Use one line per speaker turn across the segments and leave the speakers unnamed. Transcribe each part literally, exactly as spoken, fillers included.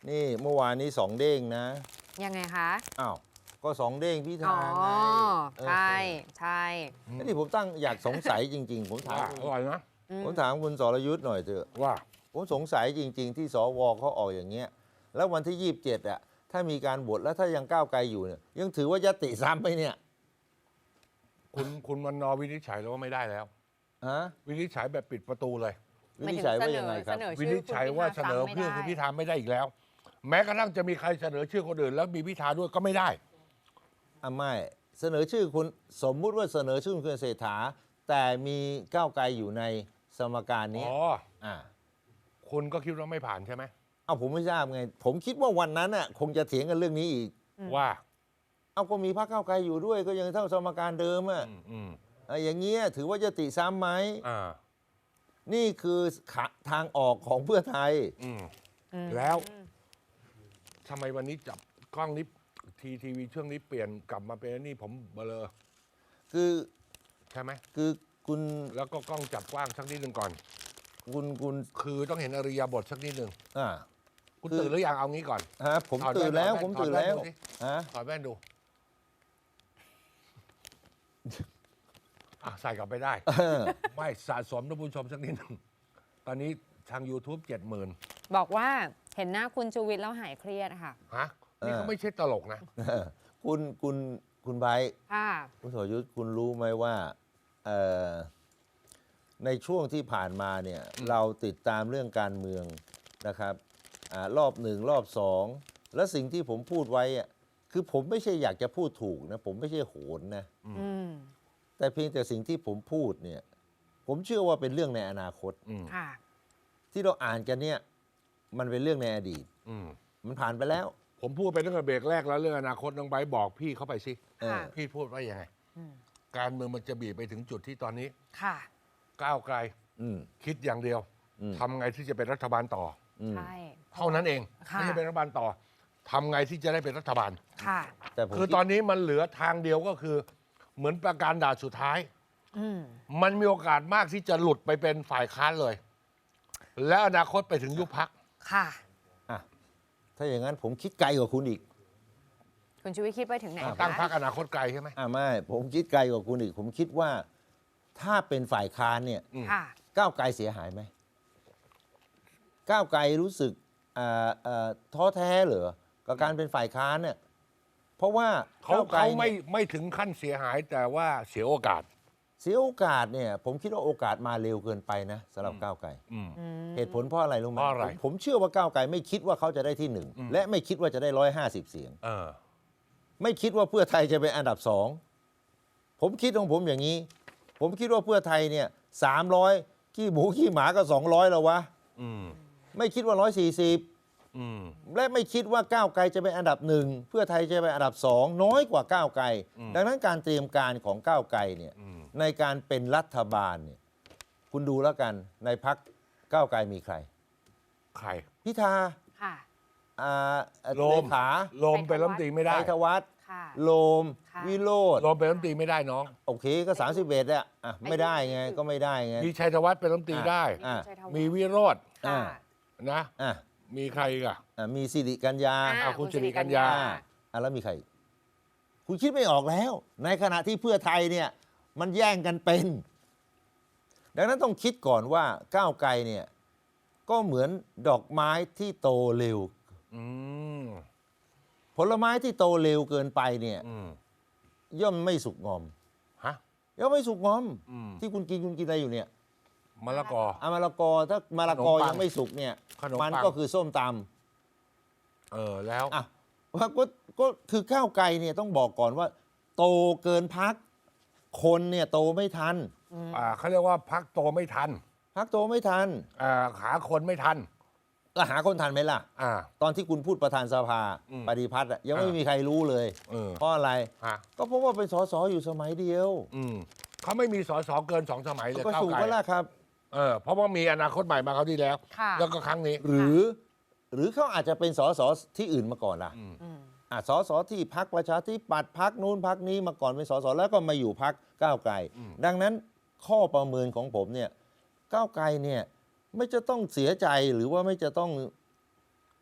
นี่เมื่อวานนี้สองเด้งนะ
ยังไงคะ
อ้าวก็สองเด้งพิธาไง
ใช่ใช่
นี่ผมตั้งอยากสงสัยจริงๆผมถาม
อร่อยนะ
ผมถามคุณสรยุทธ์หน่อยเถอะ
ว่า
ผมสงสัยจริงๆที่สวเขาออกอย่างเงี้ยแล้ววันที่ยี่สิบเจ็ดอ่ะถ้ามีการบวชแล้วถ้ายังก้าวไกลอยู่เนี่ยยังถือว่ายติซ้ำไหมเนี่ย
คุณคุณวันนอวินิจฉัยแล้วว่าไม่ได้แล้ว
ฮะ
วินิจฉัยแบบปิดประตูเลย
วินิจฉัยว่ายังไงครับ
วินิจฉัยว่าเสนอเพื่อคุณพิธาไม่ได้อีกแล้ว แม้กระทั่งจะมีใครเสนอชื่อคนอื่นแล้วมีพิธาด้วยก็ไม่ได้
อ่ะไม่เสนอชื่อคุณสมมุติว่าเสนอชื่อคุณเศรษฐาแต่มีก้าวไกลอยู่ในสมการนี้
อ๋อ
อ่า
คุณก็คิดว่าไม่ผ่านใช่ไหม
เอาผมไม่ทราบไงผมคิดว่าวันนั้นน่ะคงจะเถียงกันเรื่องนี้อีก
ว่า
เอาก็มีพรรคก้าวไกลอยู่ด้วยก็ยังเท่าสมการเดิมอ่ะอย่างเงี้ยถือว่ายติซ้ำไหม
อ่า
นี่คือทางออกของเพื่อไทย
แล้วทำไมวันนี้จับกล้องนี้ทีทีวีช่วงนี้เปลี่ยนกลับมาเป็นนี่ผมเบลอ
คือ
ใช่ไหม
คือคุณ
แล้วก็กล้องจับกว้างสักนิดหนึ่งก่อน
คุณคุณ
คือต้องเห็นอริยบทสักนิดหนึ่ง
อ่า
คุณตื่นหรือยังเอางี้ก่อน
ฮะผมตื่นแล้วผมตื่นแล้ว
ฮะถอดแว่นดูอ่ะใส่กลับไปได้ไม่สะสมท่านผู้ชมสักนิดหนึ่งตอนนี้ทาง ยูทูบ เจ็ดหมื่น
บอกว่าเห็นหน้าคุณชูวิทย์แล้วหายเครียดค่ะ
ฮะนี่เขาไม่ใช่ตลกนะ
คุณคุณคุณไบร์ทคุณสรยุทธ์คุณรู้ไหมว่าในช่วงที่ผ่านมาเนี่ยเราติดตามเรื่องการเมืองนะครับอรอบหนึ่งรอบสองและสิ่งที่ผมพูดไว้อะคือผมไม่ใช่อยากจะพูดถูกนะผมไม่ใช่โหนนะแต่เพียงแต่สิ่งที่ผมพูดเนี่ยผมเชื่อว่าเป็นเรื่องในอนาคตที่เราอ่านกันเนี่ยมันเป็นเรื่องในอดีตมันผ่านไปแล้ว
ผมพูดไปตั้งแต่เบรกแรกแล้วเรื่องอนาคตน้องไบร์ทบอกพี่เข้าไปสิพี่พูดว่ายังไงการเมืองมันจะบีบไปถึงจุดที่ตอนนี้ก้าวไกลคิดอย่างเดียวทำไงที่จะเป็นรัฐบาลต่อเท่านั้นเองไม่ใช่เป็นรัฐบาลต่อทำไงที่จะได้เป็นรัฐบาลคือตอนนี้มันเหลือทางเดียวก็คือเหมือนประการด่านสุดท้ายมันมีโอกาสมากที่จะหลุดไปเป็นฝ่ายค้านเลยและอนาคตไปถึงยุบพรรค
ค่ะ
ถ้าอย่างนั้นผมคิดไกลกว่าคุณอีก
คุณชูวิทย์คิดไปถึงไหน
ตั้งพรรคอนาคตไกลใช่ไหม
อ่าไม่ผมคิดไกลกว่าคุณอีกผมคิดว่าถ้าเป็นฝ่ายค้านเนี่ยก้าวไกลเสียหายไหมก้าวไกลรู้สึกท้อแท้เหรอกับการเป็นฝ่ายค้านเนี่ยเพราะว่า
เขาเขาไม่ไม่ถึงขั้นเสียหายแต่ว่าเสียโอกาส
เสียโอกาสเนี่ยผมคิดว่าโอกาสมาเร็วเกินไปนะสำหรับก้าวไกลเหตุผลเพราะอะไรรู้ไหมผมเชื่อว่าก้าวไกลไม่คิดว่าเขาจะได้ที่หนึ่งและไม่คิดว่าจะได้ร้อยห้าสิบเสียงไม่คิดว่าเพื่อไทยจะเป็นอันดับสองผมคิดของผมอย่างนี้ผมคิดว่าเพื่อไทยเนี่ยสามร้อยขี้หมูขี้หมาก็สองร้อยแล้ววะไม่คิดว่าร้อยสี่สิบและไม่คิดว่าก้าวไกลจะเป็นอันดับหนึ่งเพื่อไทยจะเป็นอันดับสองน้อยกว่าก้าวไกลดังนั้นการเตรียมการของก้าวไกลเนี่ยในการเป็นรัฐบาลเนี่ยคุณดูแล้วกันในพรรคก้าวไกลมีใคร
ใคร
พิธา
ค่ะ
โลมขา
โลมเป็นรัฐมนตรีไม่ได้
ชัยธวัฒน์โลมวิโรจน์
โลมเป็นรัฐมนตรีไม่ได้น้อง
โอเคก็สามสิบเอ็ดอะไม่ได้ไงก็ไม่ได้ไง
มีชัยธวัฒน์เป็นรัฐมนตรีได้มีวิโรจน์นะมีใครอีกอ่ะ
มีสิริกัญญา
คุณสิริกัญญา
แล้วมีใครคุณคิดไม่ออกแล้วในขณะที่เพื่อไทยเนี่ยมันแย่งกันเป็นดังนั้นต้องคิดก่อนว่าก้าวไกลเนี่ยก็เหมือนดอกไม้ที่โตเร็วผลไม้ที่โตเร็วเกินไปเนี่ยย่อมไม่สุกงอม
ฮะ
ย่อมไม่สุกงอมที่คุณกินคุณกินอะไรอยู่เนี่ย
มะละกอ
อ่ะมะละกอถ้ามะละกอยังไม่สุกเนี่ยมันก็คือส้มต
ำเออแล้ว
อ่ะว่าก็ก็คือก้าวไกลเนี่ยต้องบอกก่อนว่าโตเกินพักคนเนี่ยโตไม่ทัน
อ่าเขาเรียกว่าพักโตไม่ทัน
พักโตไม่ทัน
อ่าหาคนไม่ทัน
แล้วหาคนทันไหมล่ะ
อ่า
ตอนที่คุณพูดประธานสภาปฏิพัฒน์ยังไม่มีใครรู้เลยเพราะอะไรก็เพราะว่าเป็นสสอยู่สมัยเดียว
เขาไม่มีสสเกินสองสมัยเลย
ก็สูงก็แล้วครับ
เออเพราะว่ามีอนาคตใหม่มาเขาที่แล้วแล้วก็ครั้งนี้
หรือหรือเขาอาจจะเป็นสสที่อื่นมาก่อนล่ะอ่าสสที่พรรคประชาธิปัตย์พรรคนู้นพรรคนี้มาก่อนเป็นสสแล้วก็มาอยู่พรรคก้าวไกลดังนั้นข้อประเมินของผมเนี่ยก้าวไกลเนี่ยไม่จะต้องเสียใจหรือว่าไม่จะต้อง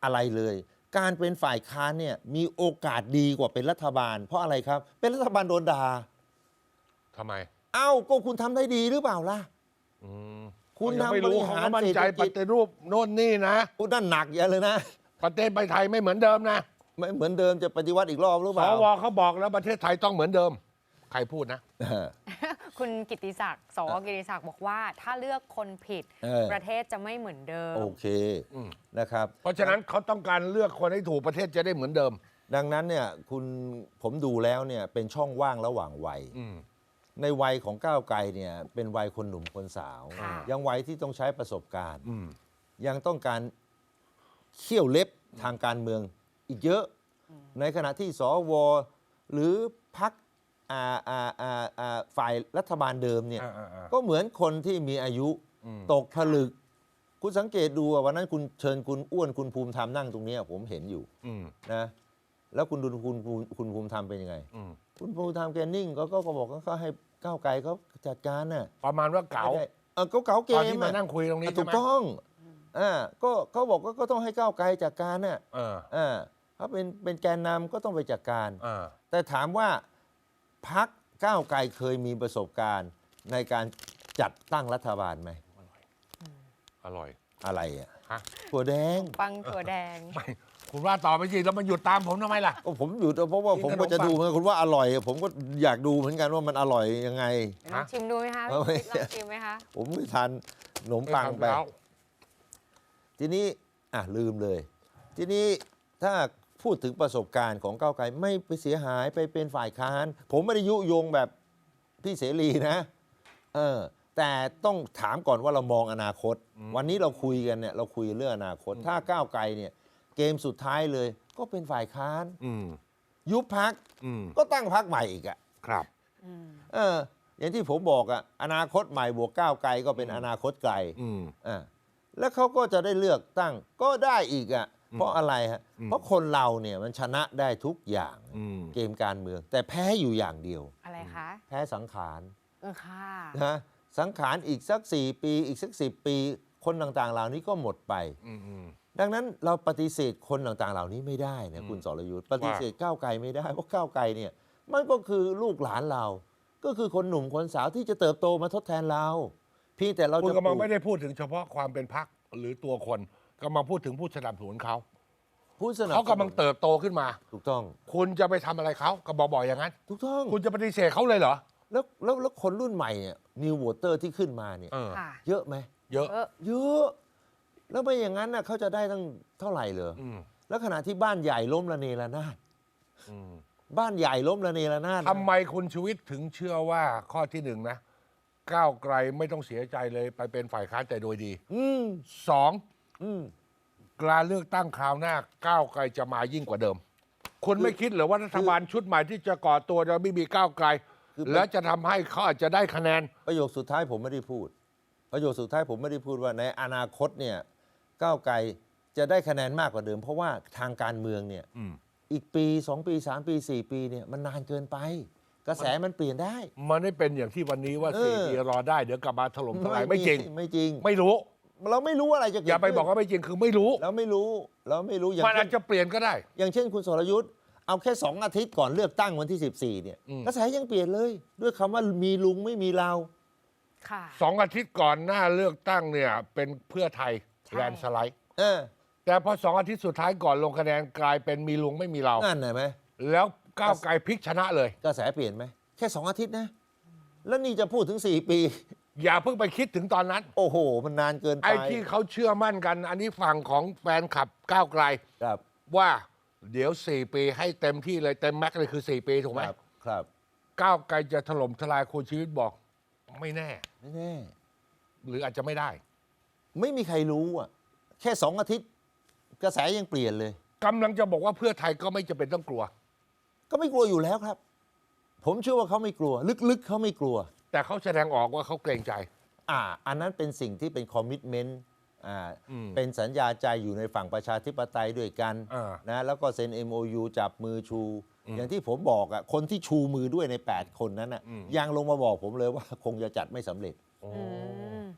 อะไรเลย การเป็นฝ่ายค้านเนี่ยมีโอกาสดีกว่าเป็นรัฐบาล เพราะอะไรครับ เป็นรัฐบาลโดนด่า
ทำไม
เอ้าก็คุณทำได้ดีหรือเปล่าล่ะ
อืม
คุณ
ยังไม่
ทำบ
รู้
ริ
เขา
หาร
ก็มั่น
เศรษ
ใจ
ฐ
ป
กิจ
ฏิรูปโน่นนี่นะ
คุณนั่นหนักอย่าเลยนะ
ประเทศไทยไม่เหมือนเดิมนะ
ไม่เหมือนเดิมจะปฏิวัติอีกรอบหรือ
ส
เปล่า
วเขาบอกแล้วประเทศไทยต้องเหมือนเดิม ใครพูดนะ
คุณกิตติศักดิ์สวกิตติศักดิ์บอกว่าถ้าเลือกคนผิด
เออ
ประเทศจะไม่เหมือนเดิม
โอเค
อืม
นะครับ
เพราะฉะนั้นเขาต้องการเลือกคนให้ถูกประเทศจะได้เหมือนเดิม
ดังนั้นเนี่ยคุณผมดูแล้วเนี่ยเป็นช่องว่างระหว่างวัย
อืม
ในวัยของก้าวไกลเนี่ยเป็นวัยคนหนุ่มคนสาว
ค่ะ
ยังวัยที่ต้องใช้ประสบการณ์
อืม
ยังต้องการเขี้ยวเล็บทางการเมืองอีกเยอะ ในขณะที่สวหรือพรรคอ่าอ่าอ่าอ่าฝ่ายรัฐบาลเดิมเนี่ย
อ่าอ่าอ่า
ก็เหมือนคนที่มีอายุ
อืม
ตกผลึก คุณสังเกตดูว่าวันนั้นคุณเชิญคุณอ้วนคุณภูมิธรรมนั่งตรงเนี้ยผมเห็นอยู่
อืม
นะแล้วคุณดูคุณคุณคุณภูมิธรรมเป็นยังไง
อืม
คุณภูมิธรรมแกนิ่งก็ก็ก็บอกว่าเขาให้ก้าวไกลเขาจัดการน่ะ
ประมาณว่าเก๋า
ไม่ได้เออเขาเก๋าเก
ตอน
ม
ที่มา
อะ
นั่งคุยตรงนี้
อ่ะ
ใช่
ถูก
ไหม
ต้องอ่าก็เขาบอกว่าก็ต้องให้ก้าวไกลจัดการน่ะ
เออ
อ่าเขาเป็นเป็นแกนนำก็ต้องไปจัดการ
เออ
แต่ถามว่าพักก้าวไกลเคยมีประสบการณ์ในการจัดตั้งรัฐบาลไหม
อร่อย
อะไรอ่ะ
ฮะ
ถั่วแดง
ปังถั่วแดง
ไม่ คุณว่าต่อไปสิแล้วมันหยุดตามผมทำไมล่ะ
ก็ผมอยู่เพราะว่า
กิน
ผม
ขนม
ก็จะ
ปัง
ดูเหมือนกันคุณว่าอร่อย ผมก็อยากดูเหมือนกันว่ามันอร่อยยังไง
ลองชิมดูไหมคะ
เอาไว้
ลองชิมไหมคะ
ผมไม่ทานขนมปังไป
แล้ว
ทีนี้อ่ะลืมเลย ทีนี้ถ้าพูดถึงประสบการณ์ของก้าวไกลไม่ไปเสียหายไปเป็นฝ่ายค้าน ผมไม่ได้ยุยงแบบพี่เสรีนะเออแต่ต้องถามก่อนว่าเรามองอนาคต วันนี้เราคุยกันเนี่ยเราคุยเรื่องอนาคต ถ้าก้าวไกลเนี่ยเกมสุดท้ายเลยก็เป็นฝ่ายค้าน
อืม
ยุบพัก
อืม
ก็ตั้งพักใหม่อีกอะ
ครับ
อืม
เอออย่างที่ผมบอกอะอนาคตใหม่บวกก้าวไกลก็เป็นอนาคตไกล
อืม
อ่าแล้วเขาก็จะได้เลือกตั้งก็ได้อีกอะ่ะเพราะอะไรฮะ
อืม
เพราะคนเราเนี่ยมันชนะได้ทุกอย่าง
อืม
เกมการเมือง แต่แพ้อยู่อย่างเดียว
อะไรคะ
แพ้สังขาร
เออค่ะ
นะสังขารอีกสักสี่ปีอีกสักสิบปี คนต่างๆ เหล่านี้ก็หมดไป
อืมอืม
ดังนั้นเราปฏิเสธคนต่างๆ เหล่านี้ไม่ได้นะ
อืม
คุณสรยุทธ์ปฏิเสธก้าวไกลไม่ได้เพราะก้าวไกลเนี่ยมันก็คือลูกหลานเรา ก็คือคนหนุ่มคนสาวที่จะเติบโตมาทดแทนเราเพียงแต่เรา
คุณ
จะ
กำลัง
ปลู
ไม่ได้พูดถึงเฉพาะความเป็นพักหรือตัวคนกำลังพูดถึงผู้สนับสนุนเขา
ผู้สนับสนุน
เขากำลังเติบโตขึ้นมา
ถูกต้อง
คุณจะไปทำอะไรเขาก็บอกบอกอย่างนั้น
ถูกต้อง
คุณจะปฏิเสธเขาเลยเหรอ
แล้วแล้วแล้วคนรุ่นใหม่เนี่ยนิวโวเตอร์ที่ขึ้นมาเนี่ย
เออ
ค่ะ
เยอะไหม
เยอะ
เออ
เยอะ แล้วไม่อย่างนั้นน่ะเขาจะได้ตั้งเท่าไหร่เลย
อืม
แล้วขณะที่บ้านใหญ่ล้มระเนระนาด
อืม
บ้านใหญ่ล้มระเนระนาด
ทำไมคุณชูวิทย์ถึงเชื่อว่าข้อที่หนึ่งนะก้าวไกลไม่ต้องเสียใจเลยไปเป็นฝ่ายค้านแต่โดยดี
อืม
สอง
อืม
การเลือกตั้งคราวหน้าก้าวไกลจะมายิ่งกว่าเดิม คุณไม่คิดเหรือว่ารัฐบาลชุดใหม่ที่จะก่อตัวจะไม่มีก้าวไกล
คือ
แล้วจะทำให้เขาอาจจะได้คะแนน
ประโยคสุดท้ายผมไม่ได้พูด ประโยคสุดท้ายผมไม่ได้พูดว่าในอนาคตเนี่ยก้าวไกลจะได้คะแนนมากกว่าเดิม เพราะว่าทางการเมืองเนี่ย
อืม
อีกปีสองปีสามปีสี่ปีเนี่ยมันนานเกินไป กระแสมันเปลี่ยนได้
มันไม่เป็นอย่างที่วันนี้ว่า
เออ
สี่ปีรอได้เดี๋ยวกลับมาถล่มทลายไม่จริง
ไม่จริง
ไม่รู้
เราไม่รู้อะไรจะเกิด
อย่าไป
ขึ้น
บอกว่าไม่จริงคือไม่รู้
เราไม่รู้เราไม่รู้อย่าง
มันอา
เช่
จ
น
จะเปลี่ยนก็ได้
อย่างเช่นคุณสรยุทธ์เอาแค่สองอาทิตย์ก่อนเลือกตั้งวันที่สิบสี่เนี่ย
อืม
กระแสยังเปลี่ยนเลย ด้วยคำว่ามีลุงไม่มีเรา
ค่ะ
สองอาทิตย์ก่อนหน้าเลือกตั้งเนี่ยเป็นเพื่อไทย
ใช่
แลนด์สไลด์
เออ
แต่พอสองอาทิตย์สุดท้ายก่อนลงคะแนนกลายเป็นมีลุงไม่มีเรา
นั่นเห็นไหม
แล้วก้าวไกลพลิกชนะเลย
กระแสเปลี่ยนไหมแค่สองอาทิตย์นะ แล้วนี่จะพูดถึงสี่ปี
อย่าเพิ่งไปคิดถึงตอนนั้น
โอ้โห มันนานเกินไป
ไอ้ที่เขาเชื่อมั่นกัน อันนี้ฝั่งของแฟนคลับก้าวไกล
ครับ
ว่าเดี๋ยวสี่ปีให้เต็มที่เลยเต็มแม็กซ์เลยคือสี่ปีถูกไหม
ครับครับ
ก้าวไกลจะถล่มทลายคุณชีวิตบอก ไม่แน่
ไม่แน่
หรืออาจจะไม่ได้
ไม่มีใครรู้อ่ะแค่สองอาทิตย์ กระแสยังเปลี่ยนเลย
กำลังจะบอกว่าเพื่อไทยก็ไม่จำเป็นต้องกลัว
ก็ไม่กลัวอยู่แล้วครับ ผมเชื่อว่าเขาไม่กลัว ลึกๆเขาไม่กลัว
แต่เขาแสดงออกว่าเขาเกรงใจ
อ่า อันนั้นเป็นสิ่งที่เป็นคอมมิชเมนต์อ่า
อืม
เป็นสัญญาใจอยู่ในฝั่งประชาธิปไตยด้วยกัน
อ่า
นะแล้วก็เซ็น เอ็ม โอ ยู จับมือชู
อืม
อย่างที่ผมบอกอ่ะคนที่ชูมือด้วยใน แปด คนนั้นอ่ะ
อืม
ยังลงมาบอกผมเลยว่าคงจะจัดไม่สำเร็จ
โอ้
อืม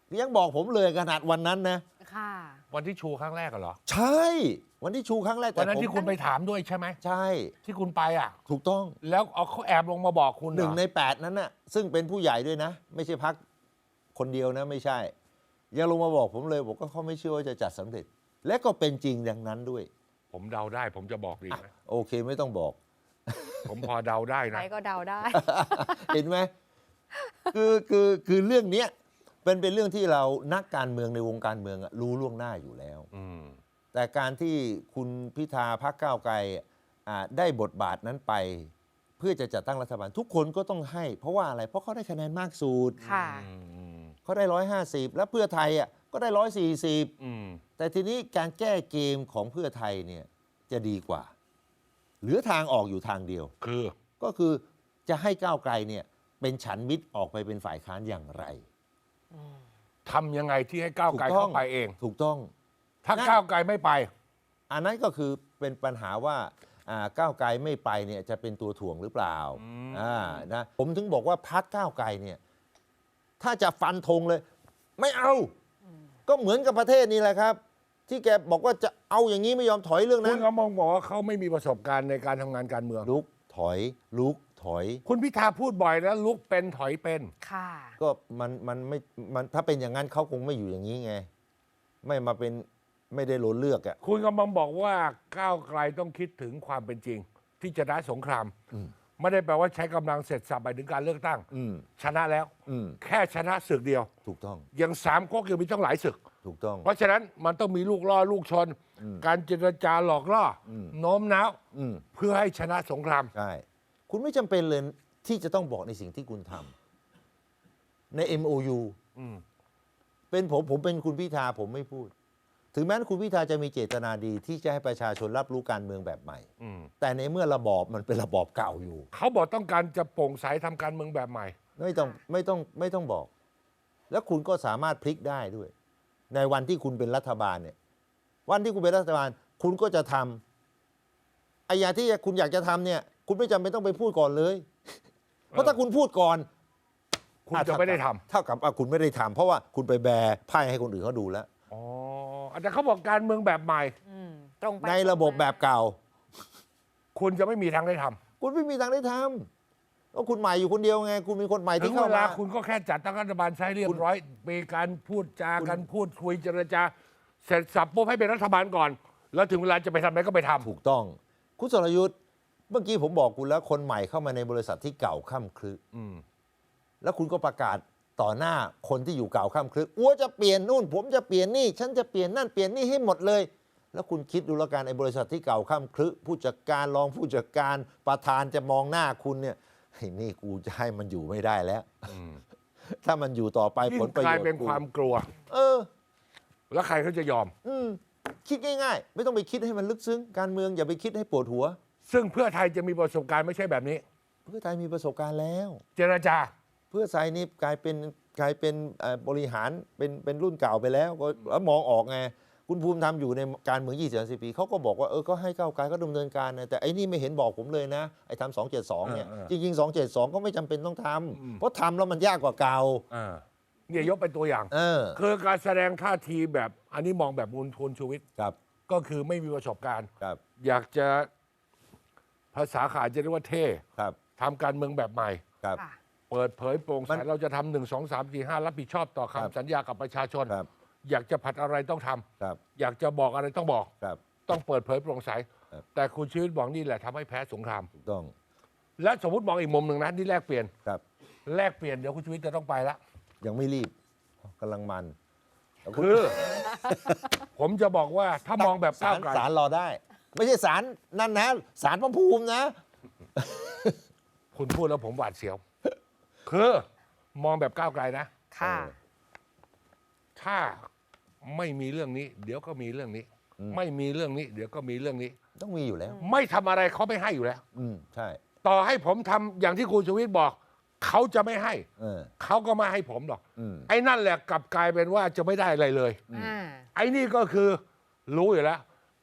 ยังบอกผมเลยขนาดวันนั้นนะ
ค่ะ
วันที่ชูครั้งแรกเหรอ
ใช่วันที่ชูครั้งแรก
วันนั้น
ผม
ที่คุณไปถามด้วยใช่ไหม
ใช่
ที่คุณไปอ่ะ
ถูกต้อง
แล้วเอาเขาแอบลงมาบอกคุณ
หนึ่ง
เรอ
ในแปดนั้นน่ะซึ่งเป็นผู้ใหญ่ด้วยนะ ไม่ใช่พักคนเดียวนะไม่ใช่ ยังลงมาบอกผมเลยบอกว่าเขาไม่เชื่อว่าจะจัดสำเร็จ และก็เป็นจริงดังนั้นด้วย
ผมเดาได้ ผมจะบอกดีไหม
โอเคไม่ต้องบอก
ผมพอเดาได้
ใค
นะ
รก็เดาได้
เห็นไหมคือคือคือเรื่องเนี้ยเป็นเป็นเรื่องที่เรานักการเมืองในวงการเมืองอะรู้ล่วงหน้าอยู่แล้ว
อืม
แต่การที่คุณพิธาพรรคก้าวไกลอ่าได้บทบาทนั้นไป เพื่อจะจัดตั้งรัฐบาลทุกคนก็ต้องให้ เพราะว่าอะไรเพราะเขาได้คะแนนมากสุด
ค่ะ
อืม
เขาได้ร้อยห้าสิบแล้วเพื่อไทยอ่ะก็ได้ร้อยสี่สิบ
อืม
แต่ทีนี้การแก้เกมของเพื่อไทยเนี่ยจะดีกว่า เหลือทางออกอยู่ทางเดียว
คือ
ก็คือจะให้ก้าวไกลเนี่ยเป็นฉันมิตรออกไปเป็นฝ่ายค้านอย่างไร
ทำยังไงที่ให้ก้าวไกล
ถูกต้อง
เข้าไปเอง
ถูกต้อง
ถ้า
นั่น
ก้าวไกลไม่ไป
อันนั้นก็คือเป็นปัญหาว่าอ่าก้าวไกลไม่ไปเนี่ยจะเป็นตัวถ่วงหรือเปล่า
อืม
อ่านะผมถึงบอกว่าพักก้าวไกลเนี่ยถ้าจะฟันธงเลย ไม่เอา ก็เหมือนกับประเทศนี้แหละครับ ที่แกบอกว่าจะเอาอย่างนี้ไม่ยอมถอยเรื่อง
คุ
นั้
ณ
น
ก็มองบอกว่าเขาไม่มีประสบการณ์ในการทำงานการเมือง
ลุกถอย ลุกถอย
คุณพิธาพูดบ่อยนะลุกเป็นถอยเป็น
ค่ะ
ก็มันมันไม่มันถ้าเป็นอย่างนั้นเขาคงไม่อยู่อย่างนี้ไง ไม่มาเป็นไม่ได้โหลนเลือกอ่ะ
คุณกำลังบอกว่าก้าวไกลต้องคิดถึงความเป็นจริง ที่จะชนะสงคราม
อืม
ไม่ได้แปลว่าใช้กำลังเสร็จสับไปถึงการเลือกตั้ง
อืม
ชนะแล้ว
อืม
แค่ชนะศึกเดียว
ถูกต้อง
ยังสามก๊กยังมีต้องหลายศึก
ถูกต้อง
เพราะฉะนั้นมันต้องมีลูกล่อลูกชน
อืม
การเจรจาหลอกล่ออ
ม
โน้มน้าว
อืม
เพื่อให้ชนะสงคราม
ใช่ คุณไม่จำเป็นเลยที่จะต้องบอกในสิ่งที่คุณทำใน เอ็ม โอ ยู
อืม
เป็นผมผมเป็นคุณพิธาผมไม่พูด ถึงแม้คุณพิธาจะมีเจตนาดีที่จะให้ประชาชนรับรู้การเมืองแบบใหม่
อืม
แต่ในเมื่อระบอบมันเป็นระบอบเก่าอยู่
เขาบอกต้องการจะโปร่งใสทำการเมืองแบบใหม่
ไม่ต้องไม่ต้องไม่ต้องบอก แล้วคุณก็สามารถพลิกได้ด้วย ในวันที่คุณเป็นรัฐบาลเนี่ย วันที่คุณเป็นรัฐบาล คุณก็จะทำไอ้อย่างที่คุณอยากจะทำเนี่ย คุณไม่จำเป็นต้องไปพูดก่อนเลย เพราะถ้าคุณพูดก่อน
คุณจะไม่ได้ทำ
เท่ากับว่าคุณไม่ได้ทำเพราะว่าคุณไปแบร์ไพ่ให้คนอื่นเขาดูแล้ว
อ๋ออาจารย์เขาบอกการเมืองแบบใหม่
อืม ตรงไป
ในระบบแบบเก่า
คุณจะไม่มีทางได้ทำ
คุณไม่มีทางได้ทำเพราะคุณใหม่อยู่คนเดียวไง คุณมีคนใหม่
ถึ
ที่
ง
เข้า
เวลา
มา
คุณก็แค่จัดตั้งรัฐบาลใช้เรียบร้อย มีการพูดจา
คุณ
กันพูดคุยเจรจา เสร็จสับปุ๊บให้เป็นรัฐบาลก่อน แล้วถึงเวลาจะไปทำอะไรก็ไปทำ
ถูกต้อง คุณสรยุทธ์เมื่อกี้ผมบอกคุณแล้วคนใหม่เข้ามาในบริษัทที่เก่าค่ำครึ
อืม
แล้วคุณก็ประกาศต่อหน้าคนที่อยู่เก่าค่ำครึอ้วจะเปลี่ยนนู่น ผมจะเปลี่ยนนี่ ฉันจะเปลี่ยนนั่นเปลี่ยนนี่ให้หมดเลย แล้วคุณคิดดูแล้วกันไอ้บริษัทที่เก่าค่ำครึผู้จัดการรองผู้จัดการประธานจะมองหน้าคุณเนี่ยไอ้นี่กูจะให้มันอยู่ไม่ได้แล้ว
อืม
ถ้ามันอยู่ต่อไป
ยิ่
ผ
ง
ลประ
ก
โย
ลาย
ชน์
เป็นความกลัว
เออ
แล้วใครเขาจะยอม
อืมคิดง่ายๆ ไม่ต้องไปคิดให้มันลึกซึ้งการเมืองอย่าไปคิดให้ปวดหัว
ซึ่งเพื่อไทยจะมีประสบการณ์ไม่ใช่แบบนี้
เพื่อไทยมีประสบการณ์แล้ว
เจรจา
เพื่อไทยนี่กลายเป็นกลายเป็นเอ่อบริหารเป็นเป็นรุ่นเก่าไปแล้วก็แล้วมองออกไงคุณภูมิธรรมอยู่ในการเมืองยี่สิบสิบปีเขาก็บอกว่าเออก็ให้ก้าวไกลก็ดำเนินการนะแต่ไอ้นี่ไม่เห็นบอกผมเลยนะไอ้ทำสองเจ็ดสองเนี่ย
เออเอ
จ
อ
ริงๆสองเจ็ดสองก็ไม่จำเป็นต้องท
อืม
ำเพราะทำแล้วมันยากกว่าเก่า
อ่าเนี่ยยกเป็นตัวอย่าง
เออ
คือการแสดงท่าทีแบบ อันนี้มองแบบมูลทุนชูวิทย์
ครับ
ก็คือไม่มีประสบการณ์
ครับ
อยากจะภาษาขาดจะเรียกว่าเท่
ครับ
ทำการเมืองแบบใหม่
ครับ
ค่ะ
เปิดเผยโปร่ง
มั
ใส
น
เราจะทำหนึ่งสองสามสี่ห้ารับผิดชอบต่อ
ครับ
คำสัญญากับประชาชน
ครับ
อยากจะผัดอะไรต้องทำ
ครับ
อยากจะบอกอะไรต้องบอก
ครับ
ต้องเปิดเผยโปร่งใส
ครับ
แต่คุณชีวิตบอกนี่แหละทำให้แพ้สงคราม
ถูกต้อง
และสมมติมองอีกมุมหนึ่งนะที่แลกเปลี่ยน
ครับ
แลกเปลี่ยนเดี๋ยวคุณชีวิตจะต้องไปละ
ยังไม่รีบกำลังมันแล้วณ
คือ ผมจะบอกว่าถ้ามองแบบ
ศา
ก้าว
ล
ไกล
ศาลรอได้ ไม่ใช่ศาลนั่นนะศาลพระภูมินะ
คุณพูดแล้วผมหวาดเสียว คือมองแบบก้าวไกลนะ
ค่ะ
เออ
ถ้าไม่มีเรื่องนี้ เดี๋ยวก็มีเรื่องนี้
อืม
ไม่มีเรื่องนี้ เดี๋ยวก็มีเรื่องนี้
ต้องมีอยู่แล้ว
ไม่ทำอะไรเขาไม่ให้อยู่แล้ว
อืมใช่
ต่อให้ผมทำอย่างที่คุณชูวิทย์บอก เขาจะไม่ให้
เออ
เขาก็ไม่ให้ผมหรอก
อืม
ไอ้นั่นแหละกลับกลายเป็นว่าจะไม่ได้อะไรเลย
อ่า
ไอ้นี่ก็คือรู้อยู่แล้ว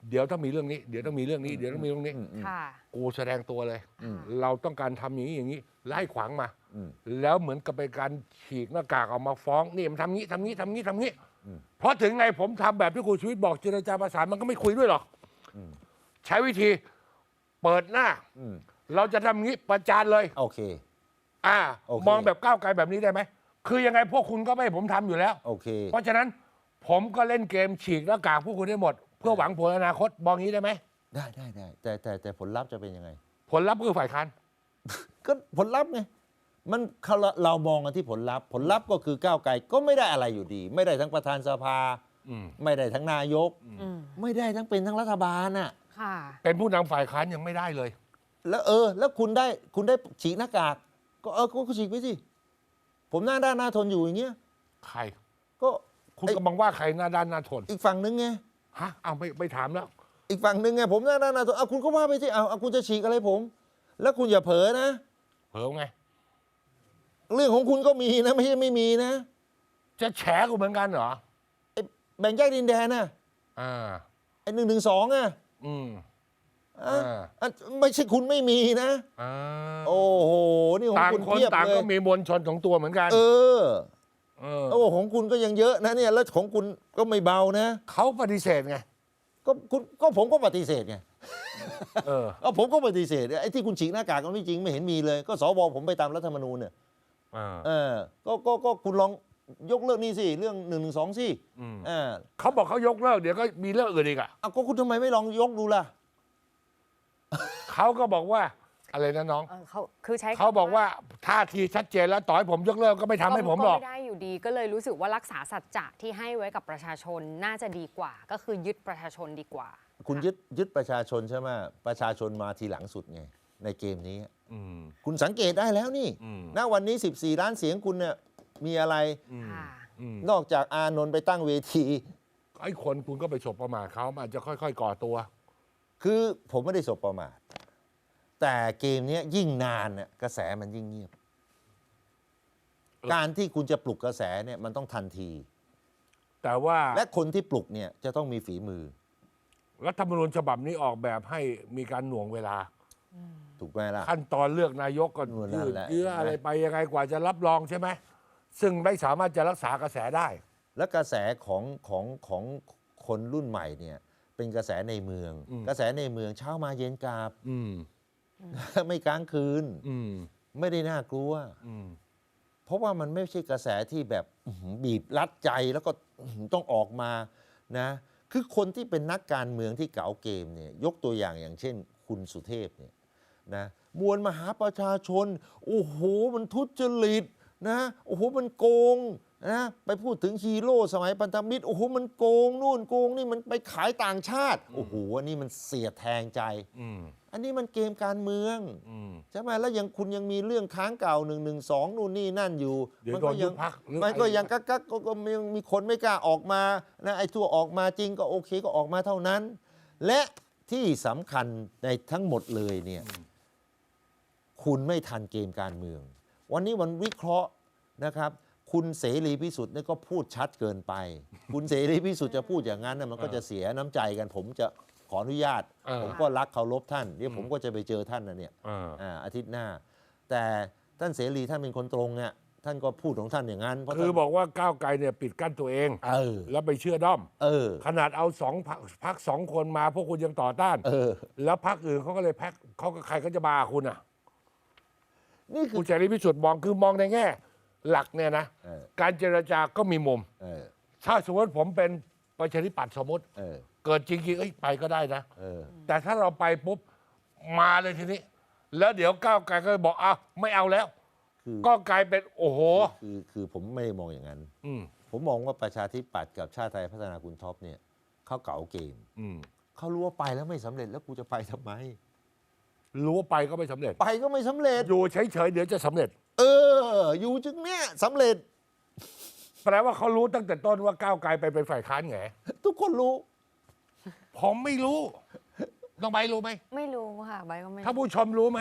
เดี๋ยวต้องมีเรื่องนี้เดี๋ยวต้องมีเรื่องนี้เดี๋ยวต้องมีเรื่องนี้
ค่ะ
กูแสดงตัวเลย
อืม
เราต้องการทำอย่างนี้อย่างนี้ไล่ขวางมา
อืม
แล้วเหมือนกับเป็นการฉีกหน้ากากออกมาฟ้องนี่มันทำงี้ทำงี้ทำงี้ทำงี้เพราะถึงไงผมทำแบบที่คุณชีวิตบอกเจรจาประสานมันก็ไม่คุยด้วยหรอกใช้วิธีเปิดหน้า
อืม
เราจะทำงี้ประจานเลย
โอเค
อ่า
โอเค
มองแบบก้าวไกลแบบนี้ได้ไหมคือยังไงพวกคุณก็ไม่ให้ผมทำอยู่แล้ว
โอเค
เพราะฉะนั้นผมก็เล่นเกมฉีกหน้ากากพวกคุณได้หมด เพื่อหวังผลอนาคตมองงี้ได้ไหม
ได้ได้ได้แต่แต่แต่ผลลัพธ์จะเป็นยังไง
ผลลัพธ์คือฝ่ายค้าน
ก็ผลลัพธ์ไงมันเขาเรามองกันที่ผลลัพธ์ผลลัพธ์ก็คือก้าวไกลก็ไม่ได้อะไรอยู่ดี ไม่ได้ทั้งประธานสภา
อืม
ไม่ได้ทั้งนายก
อืม
ไม่ได้ทั้งเป็นทั้งรัฐบาลน่ะ
ค่ะ
เป็นผู้นำฝ่ายค้านยังไม่ได้เลย
แล้วเออ แล้วคุณได้คุณได้ฉีกหน้ากาก ก็เออก็ฉีกไปสิผมหน้าด้านหน้าทนอยู่อย่างเงี้ย
ใคร
ก็
คุณ
ไอ้
กำลังว่าใครหน้าด้านหน้าทน
อีกฝั่งนึงไง
ฮะเอาไม่ไม่ถามแล้ว
อีกฝั่งหนึ่งไงผมหน้าด้านหน้าทนเอาคุณก็ว่าไปสิเอาเอาคุณจะฉีกอะไรผม แล้วคุณอย่าเผลอนะ
เผลอไง
เรื่องของคุณก็มีนะ ไม่ใช่ไม่มีนะ
จะแฉกูเหมือนกันเหรอ
ไอ้แบ่งแยกดินแดนน่ะ
อ่า
ไอ้หนึ่งหนึ่งสองอ่ะ
อืม
อ่ะ
อ่า
อ่ะไม่ใช่คุณไม่มีนะ
อ่า
โอ้โห นี่ของ
ต่าง
คุณ
คน
เพียบ
ต่าง
เล
ก็
ย
มีมวลชนของตัวเหมือนกัน
เออ
เออ
โอ้ของคุณก็ยังเยอะนะเนี่ย แล้วของคุณก็ไม่เบานะ
เขาปฏิเสธไง
ก็คุณก็ผมก็ปฏิเสธไง
เออ
เอาผมก็ปฏิเสธไอ้ที่คุณฉีกหน้ากากก็ไม่จริงไม่เห็นมีเลย ก็สวผมไปตามรัฐธรรมนูญเนี่ย
อ่า
เออก็ก็ก็คุณลองยกเลิกนี่สิเรื่องหนึ่งหนึ่งสองสิ
อืม
อ่า
เขาบอกเขายกเลิกเดี๋ยวก็มีเรื่องอื่นอีกอ่ะ
เอาก็คุณทำไมไม่ลองยกดูล่ะ
เขาก็บอกว่าอะไรนะน้อง
เออเขาคือใช้คำ
เขาบอกว่าท่าทีชัดเจนแล้วต่อให้ผมยกเลิกก็ไม่ทำให้ผมหรอก
ก็ไม่ได้อยู่ดีก็เลยรู้สึกว่ารักษาสัจจะที่ให้ไว้กับประชาชนน่าจะดีกว่า ก็คือยึดประชาชนดีกว่า
คุณยึดยึดประชาชนใช่ไหมประชาชนมาทีหลังสุดไงในเกมนี้
อืม
คุณสังเกตได้แล้วนี่
อืม
ณวันนี้สิบสี่ล้านเสียงคุณเนี่ยมีอะไร
อืม
ค่ะ
อืม
นอกจากอานนท์ไปตั้งเวที
ไอ้คนคุณก็ไปฉบประมาทเขามันอาจจะค่อยๆก่อตัว
คือผมไม่ได้สบประมาทแต่เกมเนี้ยยิ่งนานเนี่ยกระแสมันยิ่งเงียบ
เออ
การที่คุณจะปลุกกระแสเนี่ยมันต้องทันที
แต่ว่า
และคนที่ปลุกเนี่ยจะต้องมีฝีมือ
รัฐธรรมนูญฉบับนี้ออกแบบให้มีการหน่วงเวลา
ถูกไหมล่ะ
ขั้นตอนเลือกนายกก็
นู่นนั่
ยื
น
ด
แหละ
เยื้ออะไรไปยังไงกว่าจะรับรองใช่ไหมซึ่งไม่สามารถจะรักษากระแสได้
และกระแสของของของคนรุ่นใหม่เนี่ยเป็นกระแสในเมือง
อืม
กระแสในเมืองเช้ามาเย็นกลับ
อืม
ไม่กลางคืน
อืม
ไม่ได้น่ากลัว
อืม
เพราะว่ามันไม่ใช่กระแสที่แบบอื้อหือบีบรัดใจแล้วก็อื้อหือต้องออกมานะคือคนที่เป็นนักการเมืองที่เก๋าเกมเนี่ยยกตัวอย่างอย่างเช่น คุณสุเทพเนี่ยนะมวลมหาประชาชน โอ้โหมันทุจริตนะโอ้โหมันโกงนะไปพูดถึงฮีโร่สมัยพันธมิตรโอ้โหมันโกงนู่นโกงนี่มันไปขายต่างชาติโอ้โหอันนี้มันเสียดแทงใจ
อืม
อันนี้มันเกมการเมือง
อืม
ใช่ไหมแล้วยังคุณยังมีเรื่องค้างเก่าหนึ่งหนึ่งสองนู่นนี่นั่นอยู่
เดี๋ยว
มั
โด
ก็
น
ยั
ยุบพรรคหรือ
มันก็
อะไร
ยังกักกักก็ก็ยังมีคนไม่กล้าออกมานะไอ้ทั่วออกมาจริงก็โอเคก็ออกมาเท่านั้น และที่สำคัญในทั้งหมดเลยเนี่ยคุณไม่ทันเกมการเมือง วันนี้วันวิเคราะห์นะครับ คุณเสรีพิสุทธิ์เนี่ยก็พูดชัดเกินไป คุณเสรีพิสุทธิ์จะพูดอย่างนั้นนะมันก็จะเสียน้ำใจกัน ผมจะขออนุญาต
เออ
ผมก็รักเคารพท่านเดี๋ยวผมก็จะไปเจอท่านนะเนี่ย
อ่า
อ่าอาทิตย์หน้า แต่ท่านเสรีท่านเป็นคนตรงเนี่ยท่านก็พูดของท่านอย่างนั้นเพราะ
คือ
ท่าน
บอกว่าก้าวไกลเนี่ยปิดกั้นตัวเอง
เออ
แล้วไปเชื่อด้อม
เออ
ขนาดเอาสองพักพักสองคนมาพวกคุณยังต่อต้าน
เออ
แล้วพักอื่นเขาก็เลยแพ็คเขาก็ใครก็จะมาคุณอ่ะ
นี่คื
คุ
อ
ณเสรีพิสุทธิ์มองคือมองในแง่ หลักเนี่ยนะ
เออ
การเจรจาก็มีมุม
เออ
ถ้าสมมติผมเป็นประชาธิปัตย์สมมติ
เออ
เกิดจริงๆเอ้ยไปก็ได้นะ
เออ
แต่ถ้าเราไปปุ๊บมาเลยทีนี้ แล้วเดี๋ยวก้าวไกลก็บอกอ้าวไม่เอาแล้ว
คือ
ก็กลายเป็นโอ้โห
คือคือผมไม่ได้มองอย่างนั้น
อืม
ผมมองว่าประชาธิปัตย์กับชาติไทยพัฒนาคุณท็อปเนี่ยเขาเก่าเกม
อืม
เขารู้ว่าไปแล้วไม่สำเร็จแล้วกูจะไปทำไม
รู้ว่าไปก็ไม่สำเร็จ
ไปก็ไม่สำเร็จ
อยู่เฉยๆเดี๋ยวจะสำเร็จ
เออ อยู่จึงเนี่ยสำเร็จ
แปลว่าเขารู้ตั้งแต่ต้นว่าก้าวไกลไปเป็นฝ่ายค้านไง
ทุกคนรู้
ผมไม่รู้น้องใบรู้ไหม
ไม่รู้ค่ะใบก็ไม่
ถ้าผู้ชมรู้ไหม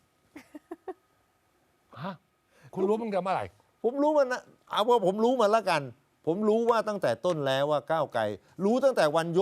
ฮะคุณรู้ตั้งแต่เมื่อไหร่
ผมรู้มันนะเอาว่าผมรู้มาแล้วกัน ผมรู้ว่าตั้งแต่ต้นแล้วว่าก้าวไกลรู้ตั้งแต่วันยก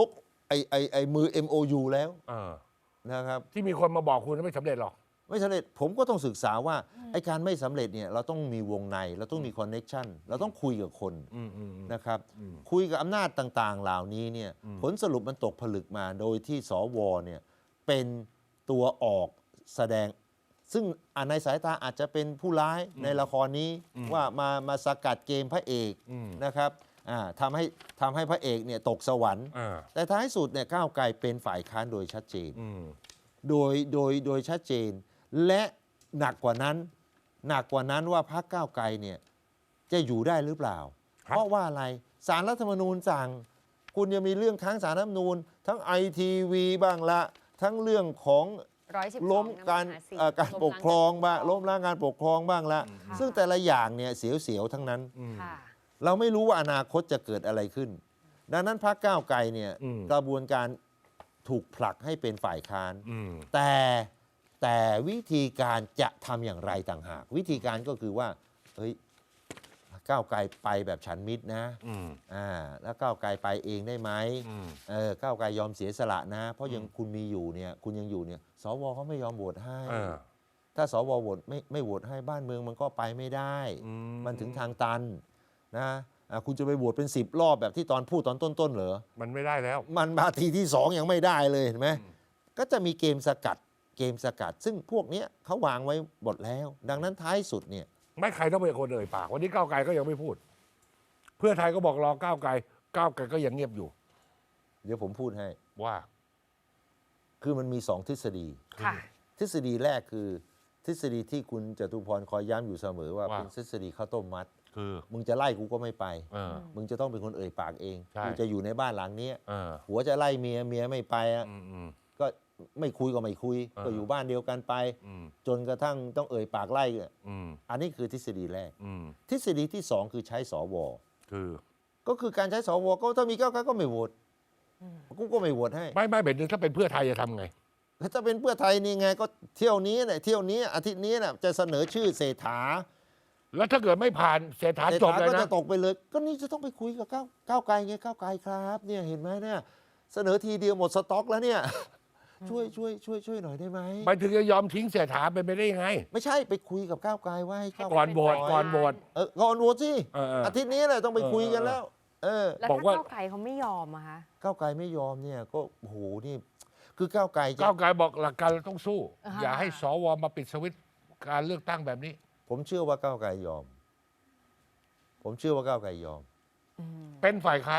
ไอ้ไอ้ไอ้มือ เอ็ม โอ ยู แล้ว
เออ
นะครับ
ที่มีคนมาบอกคุณไม่สำเร็จหรอก
ไม่สำเร็จผมก็ต้องศึกษาว่าไอ้การไม่สำเร็จเนี่ยเราต้องมีวงในเราต้องมีคอนเน็กชันเราต้องคุยกับคน
อืมอืมอืม
นะครับ
อืม
คุยกับอำนาจต่างๆ เหล่านี้เนี่ย
อืม
ผลสรุปมันตกผลึกมาโดยที่สวเนี่ยเป็นตัวออกแสดง ซึ่งอ่าในสายตาอาจจะเป็นผู้ร้ายในละครนี้ว่ามามาสกัดเกมพระเอก
อืม
นะครับอ่าทำให้ทำให้พระเอกเนี่ยตกสวรรค์
อ่า
แต่ท้ายสุดเนี่ยก้าวไกลเป็นฝ่ายค้านโดยชัดเจน
อืม
โดยโดยโดยชัดเจน และหนักกว่านั้น หนักกว่านั้นว่าพรรคก้าวไกลเนี่ยจะอยู่ได้หรือเปล่า
ครับ
เพราะว่าอะไรศาลรัฐธรรมนูญสั่ง คุณยังมีเรื่องค้างศาลรัฐธรรมนูญ ทั้งไอทีวีบ้างละทั้งเรื่องของ
ร้อยสิบสอง
ล้มการ
นำมหสี
เอ่อการปกครองบ้างล้มล้างการปกครองบ้างละ
ค่ะ
ซึ่งแต่ละอย่างเนี่ยเสียวๆทั้งนั้น
อืม
ค่ะ
เราไม่รู้ว่าอนาคตจะเกิดอะไรขึ้น ดังนั้นพรรคก้าวไกลเนี่ย
อืม
กระบวนการถูกผลักให้เป็นฝ่ายค้าน
อืม
แต่แต่วิธีการจะทำอย่างไรต่างหาก วิธีการก็คือว่าเฮ้ยก้าวไกลไปแบบฉันมิตรนะ
อืม
อ่าแล้วก้าวไกลไปเองได้ไหม
อืม
เออก้าวไกลยอมเสียสละนะ เพราะยังคุณมีอยู่เนี่ยคุณยังอยู่เนี่ยสวเขาไม่ยอมโหวตให้
เออ
ถ้าสวโหวตไม่ไม่โหวตให้บ้านเมืองมันก็ไปไม่ได้
อืม
มันถึงทางตันนะอ่ะคุณจะไปโหวตเป็นสิบรอบแบบที่ตอนพูดตอนต้นๆเหรอ
มันไม่ได้แล้ว
มันมาทีที่สองยังไม่ได้เลยเห็นไหมก็จะมีเกมสกัดเกมสกัด ซึ่งพวกเนี้ยเขาวางไว้หมดแล้ว ดังนั้นท้ายสุดเนี่ย
ไม่ใครต้องเป็นคนเอ่ยปาก วันนี้ก้าวไกลก็ยังไม่พูด เพื่อไทยก็บอกรอก้าวไกล ก้าวไกลก็ยังเงียบอยู่
เดี๋ยวผมพูดให้
ว่า
คือมันมีสองทฤษฎี
ค่ะ
ทฤษฎีแรกคือทฤษฎีที่คุณจตุพรคอยย้ำอยู่เสมอว่า
ว่า
เป็นทฤษฎีข้าวต้มมัด
คือ
มึงจะไล่กูก็ไม่ไป
เออ
มึงจะต้องเป็นคนเอ่ยปากเอง
ใช่
กูจะอยู่ในบ้านหลังเนี้ย
เออ
หัวจะไล่เมียเมียไม่ไปอ่ะ
อืมอืม
ก็ไม่คุยก็ไม่คุย
เออ
ก็อยู่บ้านเดียวกันไป
อืม
จนกระทั่งต้องเอ่ยปากไล่อะ
อืม
อันนี้คือทฤษฎีแรก
อืม
ทฤษฎีที่สองคือใช้สว
คือ
ก็คือการใช้สวก็ถ้ามีก้าวไกลก็ไม่โหวตกูก็ไม่โหวตให้
ไม่ไม่เป็นถ้าเป็นเพื่อไทยจะทำไง
แล้วถ้าเป็นเพื่อไทยนี่ไงก็เที่ยวนี้เนี่ยเที่ยวนี้อาทิตย์นี้น่ะจะเสนอชื่อเศรษฐา
แล้วถ้าเกิดไม่ผ่านเศรษฐา
เศรษ
จบ
ฐา
เลย
ก็
นะ
จะตกไปเลย ก็นี่จะต้องไปคุยกับก้าวก้าวไกลไงก้าวไกลครับเนี่ยเห็นไหมเนี่ยเสนอทีเดียวหมดสต็อกแล้วเนี่ยช่วยช่วยช่วยช่วยหน่อยได้ไหม
ไปถึงจะยอมทิ้งเศรษฐาเป็นไปได้ยังไง
ไม่ใช่ไปคุยกับก้าวไกลว่าให้ก้าวไกล
ก่อนโหวตก่อนโหวต
เออก่อนโหวตสิ
เออเอออ
อาทิตย์นี้แหละต้องไปคุยกันแล้ว เออ
แล้ว
บอก
ถ้า
ว่า
ก้าวไกลเขาไม่ยอมอะคะ
ก้าวไกลไม่ยอมเนี่ยก็โอ้โหนี่คือก้าวไกลจะ
ก้าวไกลบอกหลักการเราต้องสู้
อ่าฮะ
อย่าให้สวมาปิดสวิตช์การเลือกตั้งแบบนี้
ผมเชื่อว่าก้าวไกลยอม ผมเชื่อว่าก้าวไกลยอม
อืม
เป็นฝ่ายค้าน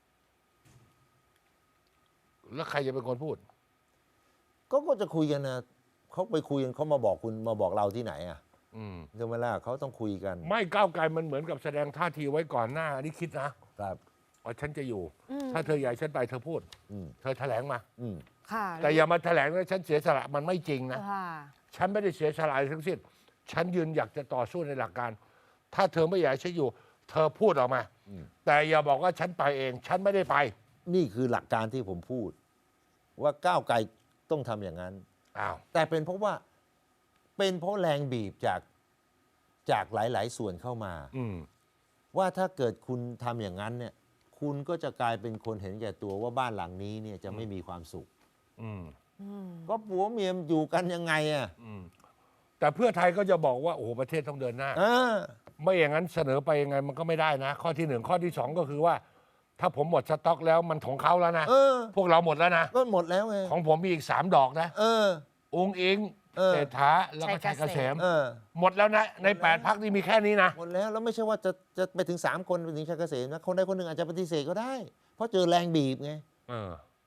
แล้วใครจะเป็นคนพูด
ก็ก็จะคุยกันนะเขาไปคุยกันเขามาบอกคุณมาบอกเราที่ไหนอ่ะ
อืม
ใช่ไหมล่ะเขาต้องคุยกัน
ไม่ก้าวไกลมันเหมือนกับแสดงท่าทีไว้ก่อนหน้าอันนี้คิดนะครับ ว่าฉันจะอยู่
อืม
ถ้าเธออยากให้ฉันไปเธอพูด
อืม
เธอแถลงมา
อืม
ค่ะ
แต่อย่ามาแถลงว่าฉันเสียสละมันไม่จริงนะ
ค่ะ
ฉันไม่ได้เสียสละอะไรทั้งสิ้น ฉันยืนอยากจะต่อสู้ในหลักการ ถ้าเธอไม่อยากให้ฉันอยู่ เธอพูดออกมา
อืม
แต่อย่าบอกว่าฉันไปเอง ฉันไม่ได้ไป
นี่คือหลักการที่ผมพูด ว่าก้าวไกลต้องทำอย่างนั้น
อ้าว
แต่เป็นเพราะว่าเป็นเพราะแรงบีบจากจากหลาย ๆ ส่วนเข้ามา
อืม
ว่าถ้าเกิดคุณทำอย่างนั้นเนี่ย คุณก็จะกลายเป็นคนเห็นแก่ตัวว่าบ้านหลังนี้เนี่ยจะไม่มีความสุข
อืม
อืม
ก็ผัวเมียอยู่กันยังไงอ่ะ
อืม แต่เพื่อไทยก็จะบอกว่า โอ้โหประเทศต้องเดินหน้า
อ่า
ไม่อย่างนั้นเสนอไปยังไงมันก็ไม่ได้นะ ข้อที่หนึ่งข้อที่สองก็คือว่า ถ้าผมหมดสต็อกแล้วมันของเขาแล้วนะ
เออ
พวกเราหมดแล้วนะ
ก็หมดแล้วไง
ของผมมีอีกสามดอกนะ
เออ
องค์อิง
เออ
เศรษฐาแล้วก็ชัยเกษม
เออ
หมดแล้วนะ ในแปดพักนี่มีแค่นี้นะ
หมดแล้วแล้วไม่ใช่ว่าจะจะไปถึงสามคนไปถึงชัยเกษมนะคนใดคนหนึ่งอาจจะปฏิเสธก็ได้ เพราะเจอแรงบีบไง
เออ